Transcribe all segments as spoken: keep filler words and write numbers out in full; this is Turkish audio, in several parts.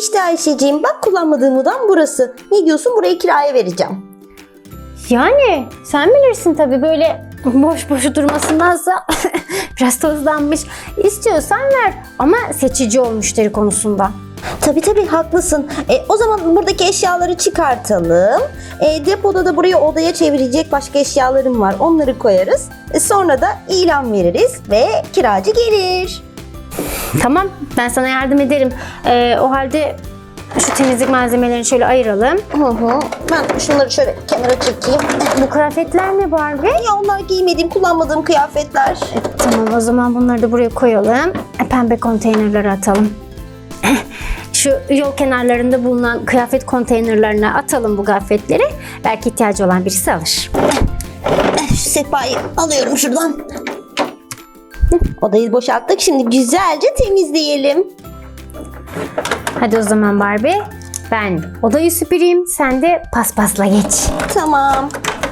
İşte Ayşeciğim, bak kullanmadığım odam burası. Ne diyorsun, burayı kiraya vereceğim. Yani sen bilirsin tabii, böyle boş boş durmasındansa biraz tozlanmış. İstiyorsan ver ama seçici ol müşteri konusunda. Tabii tabii haklısın. E, o zaman buradaki eşyaları çıkartalım. E, depoda da burayı odaya çevirecek başka eşyalarım var. Onları koyarız. E, sonra da ilan veririz ve kiracı gelir. Tamam, ben sana yardım ederim. Ee, o halde şu temizlik malzemelerini şöyle ayıralım. Hı hı. Ben şunları şöyle kenara çekeyim. Bu kıyafetler ne Barbie? Ya onlar giymediğim, kullanmadığım kıyafetler. Tamam, o zaman bunları da buraya koyalım. E, Pembe konteynerlere atalım. Şu yol kenarlarında bulunan kıyafet konteynerlerine atalım bu kıyafetleri. Belki ihtiyacı olan birisi alır. Şu sehpayı alıyorum şuradan. Odayı boşalttık. Şimdi güzelce temizleyelim. Hadi o zaman Barbie. Ben odayı süpüreyim, sen de paspasla geç. Tamam.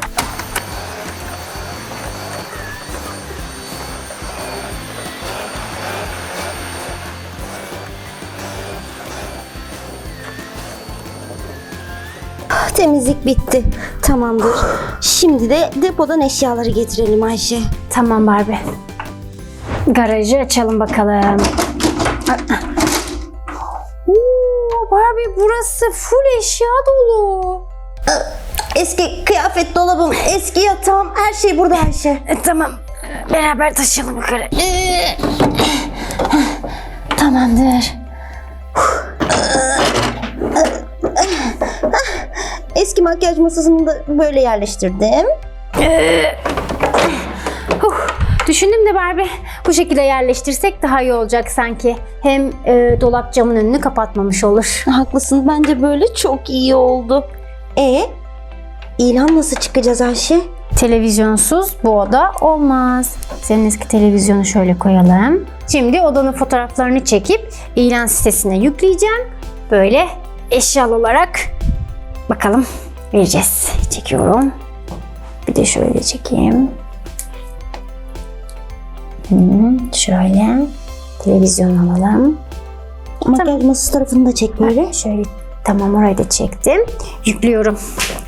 Temizlik bitti. Tamamdır. Şimdi de depodan eşyaları getirelim Ayşe. Tamam Barbie. Garajı açalım bakalım. Oo, Barbie, burası full eşya dolu. Eski kıyafet dolabım, eski yatağım, her şey burada Ayşe. E, tamam. Beraber taşıyalım yukarı. Tamamdır. Eski makyaj masasını da böyle yerleştirdim. Huh, düşündüm de Barbie, bu şekilde yerleştirsek daha iyi olacak sanki. Hem e, dolap camın önünü kapatmamış olur. Haklısın, bence böyle çok iyi oldu. E ilan nasıl çıkacağız Ayşe? Televizyonsuz bu oda olmaz. Senin eski televizyonu şöyle koyalım. Şimdi odanın fotoğraflarını çekip ilan sitesine yükleyeceğim. Böyle eşyalı olarak bakalım vereceğiz. Çekiyorum. Bir de şöyle çekeyim. Hmm, şöyle televizyon alalım. Makyaj tamam. Masası tarafını da çek böyle. Ha, şöyle tamam, orayı da çektim. Yüklüyorum.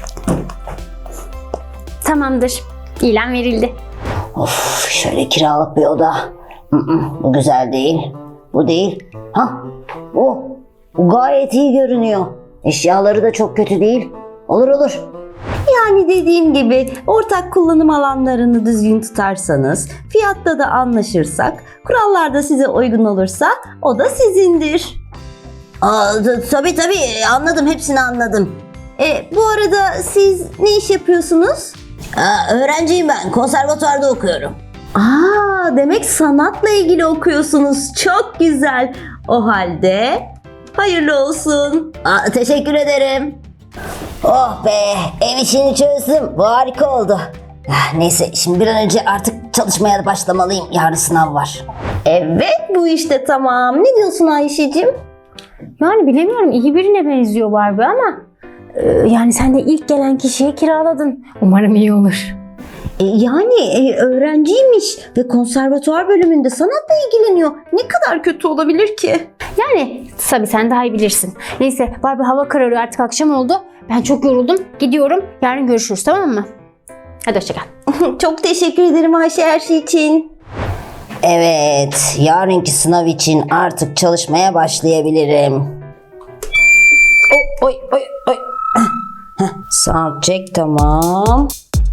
Tamamdır. İlan verildi. Of, şöyle kiralık bir oda. Mm-mm, bu güzel değil. Bu değil. Ha, bu. Bu gayet iyi görünüyor. Eşyaları da çok kötü değil. Olur olur. Yani dediğim gibi ortak kullanım alanlarını düzgün tutarsanız, fiyatta da anlaşırsak, kurallar da size uygun olursa o da sizindir. Aa, t- tabii tabii anladım, hepsini anladım. E, bu arada siz ne iş yapıyorsunuz? Aa, öğrenciyim ben. Konservatuvarda okuyorum. Aa, demek sanatla ilgili okuyorsunuz. Çok güzel. O halde hayırlı olsun. Aa, teşekkür ederim. Oh be, ev işini çözdüm. Bu harika oldu. Ah, neyse, şimdi bir an önce artık çalışmaya başlamalıyım. Yarın sınav var. Evet, bu işte tamam. Ne diyorsun Ayşeciğim? Yani bilemiyorum, iyi birine benziyor Barbie ama e, yani sen de ilk gelen kişiye kiraladın. Umarım iyi olur. E, yani e, öğrenciymiş ve konservatuvar bölümünde sanatla ilgileniyor. Ne kadar kötü olabilir ki? Yani tabii sen daha iyi bilirsin. Neyse Barbie, hava kararıyor, artık akşam oldu. Ben çok yoruldum. Gidiyorum. Yarın görüşürüz, tamam mı? Hadi hoşça kal. Çok teşekkür ederim Ayşe her şey için. Evet, yarınki sınav için artık çalışmaya başlayabilirim. Oy oy oy. Sound check tamam.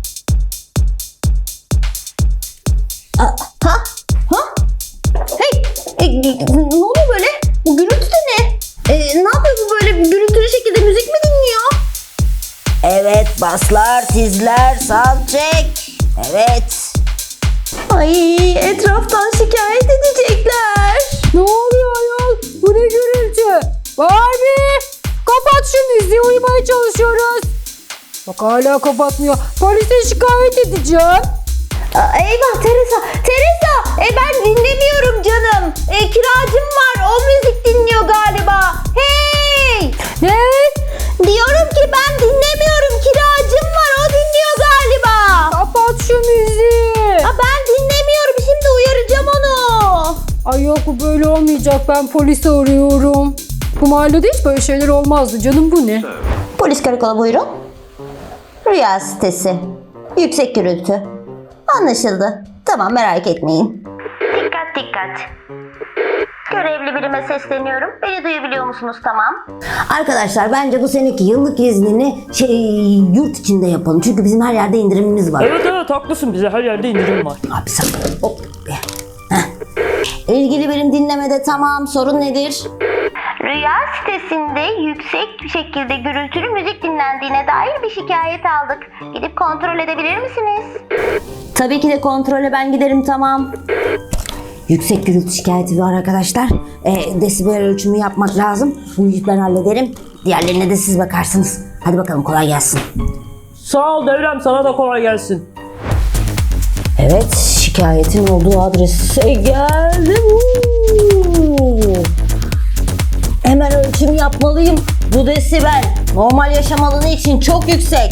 Ha? Ha? Hey! E, ne oluyor böyle? Bu gürültü de ne? E, ne yapıyor bu böyle gürültülü şekilde, müzik mi dinliyor? Evet, baslar, tizler, sound check. Evet. Ay, etraftan şikayet edecekler. Ne oluyor ayol? Bu ne gürültü? Barbie! Kapat şu müziği, uyumaya çalışıyoruz. Bak hala kapatmıyor. Polise şikayet edeceğim. Aa, eyvah Teresa! Teresa! E, ben dinlemiyorum canım. E, kiracım var. O müzik dinliyor galiba. Hey! Ne? Diyorum ki ben dinlemiyorum. Kiracım var. O dinliyor galiba. Kapat şu müziği. Aa, ben dinlemiyorum. Şimdi uyaracağım onu. Ay yok, bu böyle olmayacak. Ben polisi arıyorum. Bu mahallede hiç böyle şeyler olmazdı canım, bu ne? Polis karakola buyurun. Rüya sitesi. Yüksek gürültü. Anlaşıldı. Tamam, merak etmeyin. Dikkat dikkat. Görevli birime sesleniyorum. Beni duyabiliyor musunuz? Tamam. Arkadaşlar bence bu seneki yıllık iznini şey yurt içinde yapalım. Çünkü bizim her yerde indirimimiz var. Evet evet haklısın, bize her yerde indirim var. Abi sen hop. Heh. İlgili birim dinlemede, tamam. Sorun nedir? Rüya sitesinde yüksek şekilde gürültülü müzik dinlendiğine dair bir şikayet aldık. Gidip kontrol edebilir misiniz? Tabii ki de kontrole ben giderim, tamam. Yüksek gürültü şikayeti var arkadaşlar. E, desibel ölçümü yapmak lazım. Bunu ben hallederim. Diğerlerine de siz bakarsınız. Hadi bakalım, kolay gelsin. Sağ ol Devrem, sana da kolay gelsin. Evet, şikayetin olduğu adrese geldim. Uuu. Hemen ölçüm yapmalıyım. Bu desibel normal yaşam alanı için çok yüksek.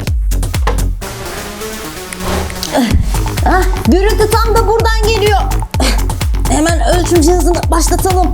Ah, gürültü tam da buradan geliyor. Hemen ölçüm cihazını başlatalım.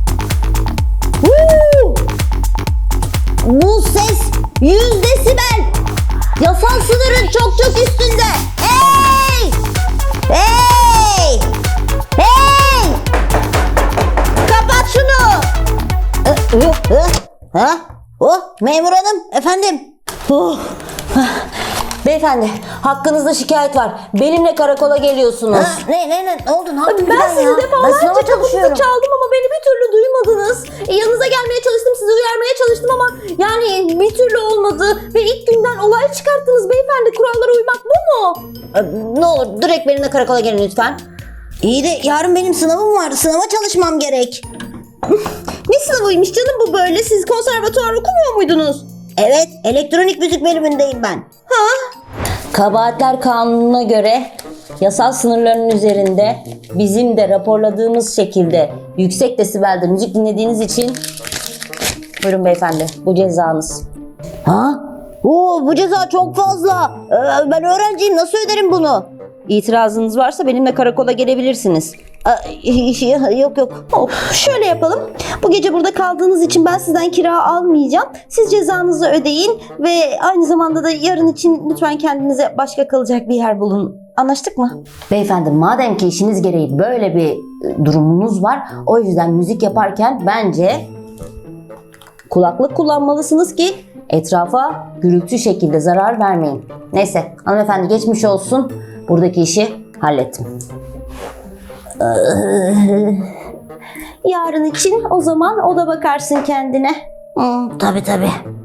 Woo! Bu ses yüz desibel. Yasal sınırın çok çok üstünde. Hey! Hey! Hey! Kapat şunu. Ee, e, e, Ha? Oh, memur hanım, efendim. Oh. Beyefendi, hakkınızda şikayet var. Benimle karakola geliyorsunuz. Ha, ne ne ne ne oldu? Ne yaptın Ben sizi ya? defalarca sınava kapınızı çalışıyorum. çaldım ama beni bir türlü duymadınız. E, yanınıza gelmeye çalıştım, sizi uyarmaya çalıştım ama yani bir türlü olmadı. Ve ilk günden olay çıkarttınız beyefendi. Kurallara uymak bu mu? Ee, Ne olur direkt benimle karakola gelin lütfen. İyi de yarın benim sınavım var. Sınava çalışmam gerek. Ne sınavıymış canım bu böyle? Siz konservatuvar okumuyor muydunuz? Evet, elektronik müzik bölümündeyim ben. Ha? Kabahatler kanununa göre yasal sınırların üzerinde bizim de raporladığımız şekilde yüksek desibelde müzik dinlediğiniz için buyurun beyefendi, bu cezanız. Ha? Oo, bu ceza çok fazla. Ee, ben öğrenciyim, nasıl öderim bunu? İtirazınız varsa benimle karakola gelebilirsiniz. Aa, yok yok. Hop, şöyle yapalım. Bu gece burada kaldığınız için ben sizden kira almayacağım. Siz cezanızı ödeyin ve aynı zamanda da yarın için lütfen kendinize başka kalacak bir yer bulun. Anlaştık mı? Beyefendi, madem ki işiniz gereği böyle bir durumunuz var, o yüzden müzik yaparken bence kulaklık kullanmalısınız ki etrafa gürültü şekilde zarar vermeyin. Neyse hanımefendi, geçmiş olsun. Buradaki işi hallettim. Yarın için o zaman o da bakarsın kendine. Hmm, tabii tabii.